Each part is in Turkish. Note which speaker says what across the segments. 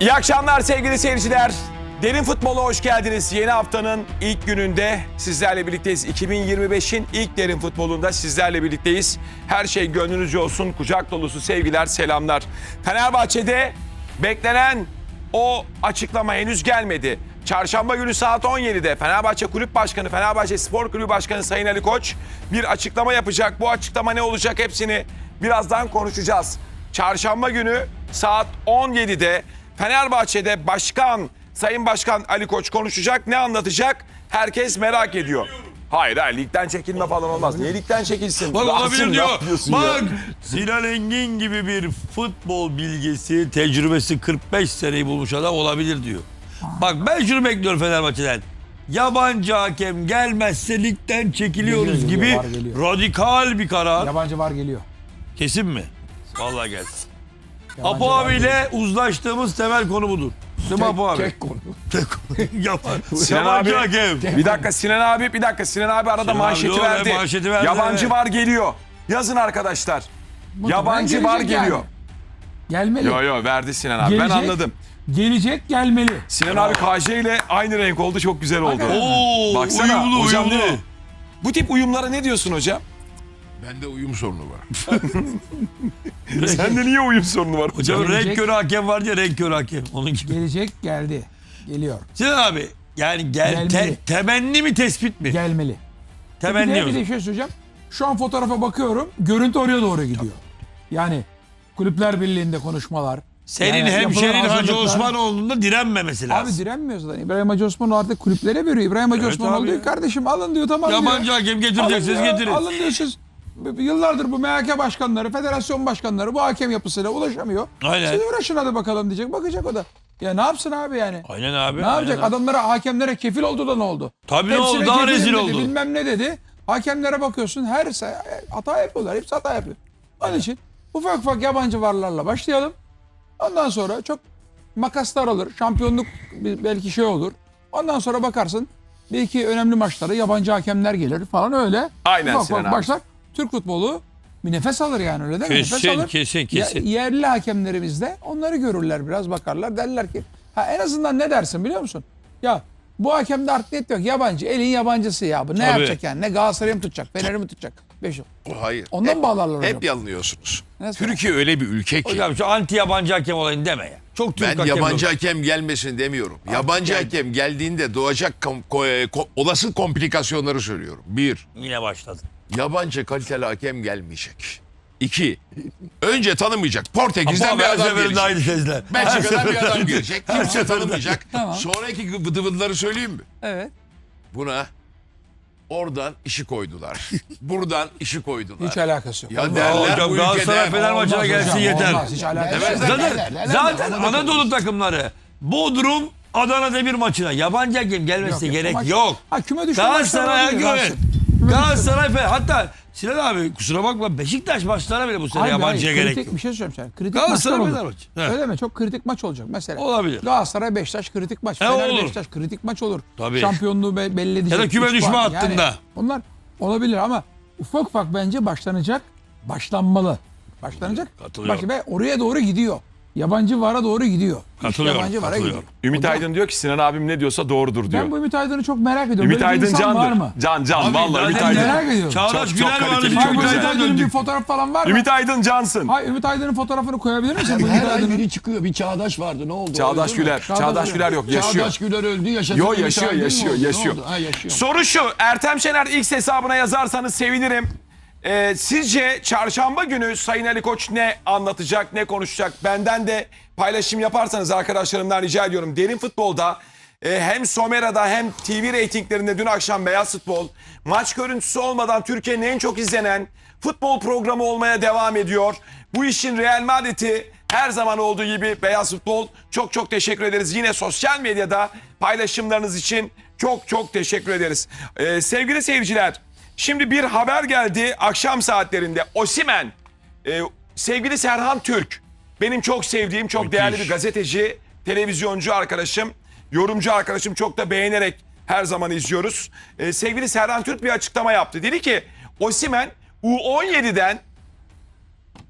Speaker 1: İyi akşamlar sevgili seyirciler. Derin Futbol'a hoş geldiniz. Yeni haftanın ilk gününde sizlerle birlikteyiz. 2025'in ilk Derin Futbol'unda sizlerle birlikteyiz. Her şey gönlünüzce olsun. Kucak dolusu sevgiler, selamlar. Fenerbahçe'de beklenen o açıklama henüz gelmedi. Çarşamba günü saat 17'de Fenerbahçe Kulüp Başkanı, Fenerbahçe Spor Kulübü Başkanı Sayın Ali Koç bir açıklama yapacak. Bu açıklama ne olacak hepsini birazdan konuşacağız. Çarşamba günü saat 17'de Fenerbahçe'de Sayın Başkan Ali Koç konuşacak. Ne anlatacak? Herkes merak ediyor. Hayır, ligden çekilme falan olmaz. Niye ligden çekilsin?
Speaker 2: Bak olabilir diyor. Bak
Speaker 1: Ya?
Speaker 2: Sinan Engin gibi bir futbol bilgisi, tecrübesi 45 seneyi bulmuş adam olabilir diyor. Bak ben şunu bekliyorum Fenerbahçe'den. Yabancı hakem gelmezse ligden çekiliyoruz
Speaker 3: Geliyor,
Speaker 2: gibi
Speaker 3: var, geliyor.
Speaker 2: radikal bir karar.
Speaker 3: Yabancı var geliyor.
Speaker 2: Kesin mi? Vallahi gelsin.
Speaker 3: Yabancı
Speaker 2: Apo
Speaker 3: var
Speaker 2: abiyle uzlaştığımız temel konu budur. Değil mi Apo abi?
Speaker 3: Tek konu.
Speaker 1: Sinan
Speaker 2: Yabancı
Speaker 1: abi,
Speaker 2: hakem.
Speaker 1: bir dakika Sinan abi arada
Speaker 2: Sinan
Speaker 1: manşeti
Speaker 2: abi,
Speaker 1: verdi.
Speaker 2: manşeti verdi,
Speaker 1: Yabancı
Speaker 2: evet.
Speaker 1: var geliyor. Yazın arkadaşlar.
Speaker 3: Muhtemelen
Speaker 1: Yabancı var
Speaker 3: gelecek
Speaker 1: geliyor.
Speaker 3: yani. Gelmeli.
Speaker 1: Yo verdi Sinan abi. Ben
Speaker 3: Gelecek.
Speaker 1: anladım.
Speaker 3: Gelecek, gelmeli.
Speaker 1: Sinan abi KJ ile aynı renk oldu. Çok güzel oldu.
Speaker 3: Hakikaten.
Speaker 2: Oo,
Speaker 1: Baksana
Speaker 2: uyumlu
Speaker 1: hocam
Speaker 2: uyumlu.
Speaker 1: değil mi? Bu tip uyumlara ne diyorsun hocam?
Speaker 4: Bende uyum sorunu var.
Speaker 1: Sende niye uyum sorunu var hocam?
Speaker 2: Hocam
Speaker 3: Gelecek.
Speaker 2: renk körü hakem var ya, renk körü hakem. Onun gibi.
Speaker 3: Gelecek, geldi. Geliyor.
Speaker 2: Sinan abi yani
Speaker 3: Gelmeli.
Speaker 2: temenni mi tespit mi?
Speaker 3: Gelmeli.
Speaker 2: Temenni
Speaker 3: Bir
Speaker 2: mi?
Speaker 3: de bir şey söyleyeceğim. Şu an fotoğrafa bakıyorum. Görüntü oraya doğru gidiyor. Yani Kulüpler Birliği'nde konuşmalar.
Speaker 2: Senin
Speaker 3: yani
Speaker 2: hemşerin
Speaker 3: yapılan
Speaker 2: Hacı
Speaker 3: hazırlıklar-
Speaker 2: Osmanoğlu'nun da direnmemesi lazım.
Speaker 3: Abi direnmiyor zaten. İbrahim Hacı Osmanoğlu artık kulüplere veriyor. İbrahim Hacı
Speaker 2: Evet
Speaker 3: Osmanoğlu
Speaker 2: abi
Speaker 3: diyor
Speaker 2: ya.
Speaker 3: kardeşim alın diyor, tamam diyor.
Speaker 2: Yabancı hakem getireceksiniz,
Speaker 3: Alın ya,
Speaker 2: getirin.
Speaker 3: Alın diyor siz. Yıllardır bu MHK başkanları, federasyon başkanları bu hakem yapısıyla ulaşamıyor.
Speaker 2: Aynen.
Speaker 3: Siz uğraşın hadi bakalım diyecek. Bakacak o da. Ya ne yapsın abi yani?
Speaker 2: Aynen abi.
Speaker 3: Ne yapacak?
Speaker 2: aynen abi.
Speaker 3: Adamlara, hakemlere kefil oldu da ne oldu?
Speaker 2: Tabii ne
Speaker 3: Hepsine
Speaker 2: oldu? Daha
Speaker 3: kefilim
Speaker 2: rezil
Speaker 3: dedi,
Speaker 2: oldu.
Speaker 3: Bilmem ne dedi. Hakemlere bakıyorsun hata yapıyorlar. Hepsi hata yapıyor. Onun için ufak ufak yabancı varlarla başlayalım. Ondan sonra çok makaslar alır. Şampiyonluk belki şey olur. Ondan sonra bakarsın bir iki önemli maçlara yabancı hakemler gelir falan öyle.
Speaker 1: Aynen
Speaker 3: Ufak
Speaker 1: Sinan
Speaker 3: ufak
Speaker 1: abi.
Speaker 3: başlar. Türk futbolu bir nefes alır yani, öyle değil mi?
Speaker 2: Kesin,
Speaker 3: Nefes alır.
Speaker 2: kesin.
Speaker 3: Yerli hakemlerimiz de onları görürler, biraz bakarlar, derler ki en azından ne dersin biliyor musun? Ya bu hakemde art niyet yok, yabancı, elin yabancısı ya bu ne yapacak yani, ne Galatasaray'ı mı tutacak, Fener'i mi tutacak? 5 yıl.
Speaker 4: Hayır.
Speaker 3: Ondan bağlarlar hocam.
Speaker 4: Hep yanılıyorsunuz.
Speaker 3: Nasıl?
Speaker 4: Türkiye öyle bir ülke ki.
Speaker 2: Hocam şu anti yabancı hakem olayını deme ya. Çok Türk
Speaker 4: Ben
Speaker 2: hakem
Speaker 4: yabancı
Speaker 2: yok.
Speaker 4: hakem gelmesin demiyorum. Yabancı hakem geldiğinde doğacak olası komplikasyonları söylüyorum. Bir,
Speaker 2: Yine başladı.
Speaker 4: yabancı kaliteli hakem gelmeyecek. İki, önce tanımayacak. Portekiz'den
Speaker 2: Apo
Speaker 4: bir
Speaker 2: abi her
Speaker 4: adam
Speaker 2: seferinde aynı
Speaker 4: gelecek.
Speaker 2: sezler.
Speaker 4: Belçika'dan bir adam gelecek. Kimse tanımayacak.
Speaker 3: Tamam.
Speaker 4: Sonraki vıdı vıdıları söyleyeyim mi?
Speaker 3: Evet.
Speaker 4: Buna oradan işi koydular. Buradan işi koydular.
Speaker 3: Hiç alakası yok.
Speaker 4: Ya derler
Speaker 2: Hocam
Speaker 4: bu
Speaker 2: Galatasaray
Speaker 4: ülkede.
Speaker 2: Fener maçına
Speaker 3: Olmaz
Speaker 2: gelsin
Speaker 3: hocam,
Speaker 2: yeter.
Speaker 3: olmaz, hiç alakası yok.
Speaker 2: Zaten Anadolu takımları Bodrum Adana Demir maçına yabancı hakem gelmesine gerek
Speaker 3: Maç-
Speaker 2: yok.
Speaker 3: Ha, küme düşme
Speaker 2: Galatasaray
Speaker 3: maçları olabilir,
Speaker 2: evet.
Speaker 3: rahatsız.
Speaker 2: Galatasaray hatta Sinan abi kusura bakma Beşiktaş maçlarına bile bu sene
Speaker 3: Hayır,
Speaker 2: yabancıya
Speaker 3: hayır,
Speaker 2: gerek
Speaker 3: kritik
Speaker 2: yok.
Speaker 3: bir şey söyleyeyim sana. Kritik
Speaker 2: Galatasaray
Speaker 3: maçlar
Speaker 2: Fener
Speaker 3: olur.
Speaker 2: maçı. He.
Speaker 3: Öyle mi? Çok kritik maç olacak mesela.
Speaker 2: Olabilir.
Speaker 3: Galatasaray Beşiktaş kritik maç.
Speaker 2: He,
Speaker 3: Fener
Speaker 2: olur.
Speaker 3: Beşiktaş kritik maç olur.
Speaker 2: Tabii.
Speaker 3: Şampiyonluğu belli edecek.
Speaker 2: Ya da küme
Speaker 3: 3
Speaker 2: düşme
Speaker 3: puan.
Speaker 2: hattında.
Speaker 3: Onlar olabilir ama ufak ufak bence başlanacak. Başlanmalı. Başlanacak.
Speaker 2: Katılıyorum.
Speaker 3: Ve oraya doğru gidiyor. Yabancı vara doğru gidiyor. İş
Speaker 2: Katılıyorum,
Speaker 3: yabancı vara
Speaker 2: katılıyorum.
Speaker 3: gidiyor.
Speaker 1: Ümit
Speaker 3: Hocam,
Speaker 1: Aydın diyor ki Sinan abim ne diyorsa doğrudur diyor.
Speaker 3: ben bu Ümit Aydın'ı çok merak ediyorum.
Speaker 1: Ümit
Speaker 3: Böyle bir
Speaker 1: Aydın
Speaker 3: insan var
Speaker 1: candır.
Speaker 3: mı?
Speaker 1: Can
Speaker 2: Abi,
Speaker 1: vallahi Ümit
Speaker 2: zaten
Speaker 1: Aydın.
Speaker 3: merak ediyorum.
Speaker 2: Çağdaş
Speaker 1: Çok
Speaker 2: Güler
Speaker 1: kaliteli,
Speaker 2: vardı.
Speaker 1: çok
Speaker 2: Çok
Speaker 3: Ümit
Speaker 1: güzel.
Speaker 2: güzel
Speaker 3: Aydın'ın bir
Speaker 2: döndük.
Speaker 3: fotoğraf falan var mı?
Speaker 1: Ümit Aydın cansın.
Speaker 3: Hayır, Ümit Aydın'ın fotoğrafını koyabilir misin? Bu Ümit
Speaker 5: Her ay
Speaker 3: Aydın'ın.
Speaker 5: biri çıkıyor. Bir Çağdaş vardı. Ne oldu?
Speaker 1: Çağdaş
Speaker 5: Öldü mü?
Speaker 1: Güler. Çağdaş Güler yok, yaşıyor.
Speaker 5: Çağdaş Güler öldü. Yaşadı.
Speaker 1: Yo,
Speaker 5: Ümit
Speaker 1: yaşıyor,
Speaker 5: Aydın mı
Speaker 1: yaşıyor,
Speaker 5: oldu? Ne
Speaker 1: yaşıyor.
Speaker 5: oldu? Ha, yaşıyor.
Speaker 1: Soru şu, Ertem Şener X hesabına yazarsanız sevinirim. Sizce çarşamba günü Sayın Ali Koç ne anlatacak, ne konuşacak? Benden de paylaşım yaparsanız arkadaşlarımdan rica ediyorum. Derin Futbol'da hem Somera'da hem TV reytinglerinde dün akşam Beyaz Futbol maç görüntüsü olmadan Türkiye'nin en çok izlenen futbol programı olmaya devam ediyor. Bu işin Real Madrid'i her zaman olduğu gibi Beyaz Futbol. Çok çok teşekkür ederiz. Yine sosyal medyada paylaşımlarınız için çok teşekkür ederiz. Sevgili seyirciler, şimdi bir haber geldi akşam saatlerinde. Osimhen, sevgili Serhan Türk, benim çok sevdiğim, çok değerli bir gazeteci, televizyoncu arkadaşım, yorumcu arkadaşım, çok da beğenerek her zaman izliyoruz. Sevgili Serhan Türk bir açıklama yaptı. Dedi ki Osimhen U17'den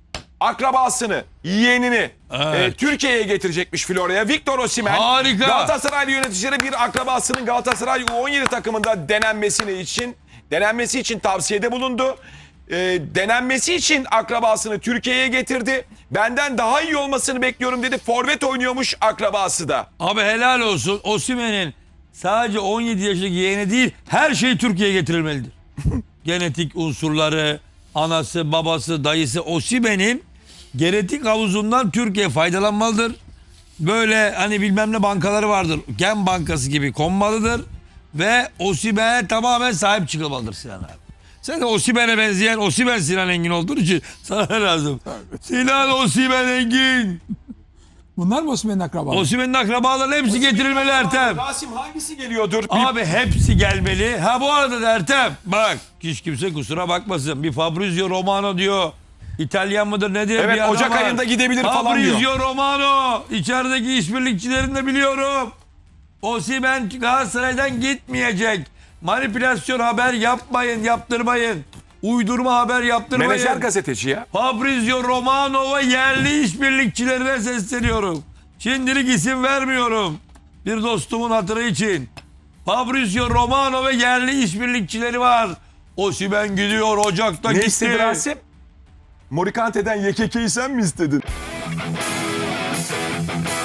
Speaker 1: akrabasını, yeğenini
Speaker 2: Evet.
Speaker 1: Türkiye'ye getirecekmiş Florya'ya. Victor Osimhen
Speaker 2: Harika.
Speaker 1: Galatasaraylı yöneticileri bir akrabasının Galatasaray U17 takımında denenmesi için tavsiyede bulundu. Denenmesi için akrabasını Türkiye'ye getirdi. Benden daha iyi olmasını bekliyorum dedi. Forvet oynuyormuş akrabası da.
Speaker 2: Abi helal olsun. Osimhen'in sadece 17 yaşındaki yeğeni değil, her şey Türkiye'ye getirilmelidir. Genetik unsurları, anası, babası, dayısı, Osimhen'in genetik havuzundan Türkiye faydalanmalıdır. Böyle hani bilmem ne bankaları vardır. Gen bankası gibi konmalıdır. Ve Osimhen'e tamamen sahip çıkılmalıdır Sinan abi. Sen de Osimhen'e benzeyen Osimhen Sinan Engin olduğun için sana ne lazım? Sinan Osimhen Engin.
Speaker 3: Bunlar mı Osimhen'in akrabaları?
Speaker 2: Osimhen'in akrabalarının hepsi getirilmeli Ertem.
Speaker 1: Rasim hangisi geliyordur?
Speaker 2: Abi hepsi gelmeli. Ha bu arada da Ertem bak hiç kimse kusura bakmasın. Bir Fabrizio Romano diyor. İtalyan mıdır nedir?
Speaker 1: Evet,
Speaker 2: bir adam
Speaker 1: Ocak
Speaker 2: var.
Speaker 1: ayında gidebilir falan diyor.
Speaker 2: Fabrizio Romano. İçerideki işbirlikçilerini de biliyorum. Osimhen Galatasaray'dan gitmeyecek. Manipülasyon haber yapmayın, yaptırmayın. Uydurma haber yaptırmayın.
Speaker 1: Menajer gazeteci ya.
Speaker 2: Fabrizio Romano ve yerli işbirlikçilerine sesleniyorum. Şimdilik isim vermiyorum. Bir dostumun hatırı için. Fabrizio Romano ve yerli işbirlikçileri var. Osimhen gidiyor, Ocak'ta
Speaker 1: Ne
Speaker 2: gitti.
Speaker 1: istedi Rasim? Morikante'den YKK'yi sen mi istedin?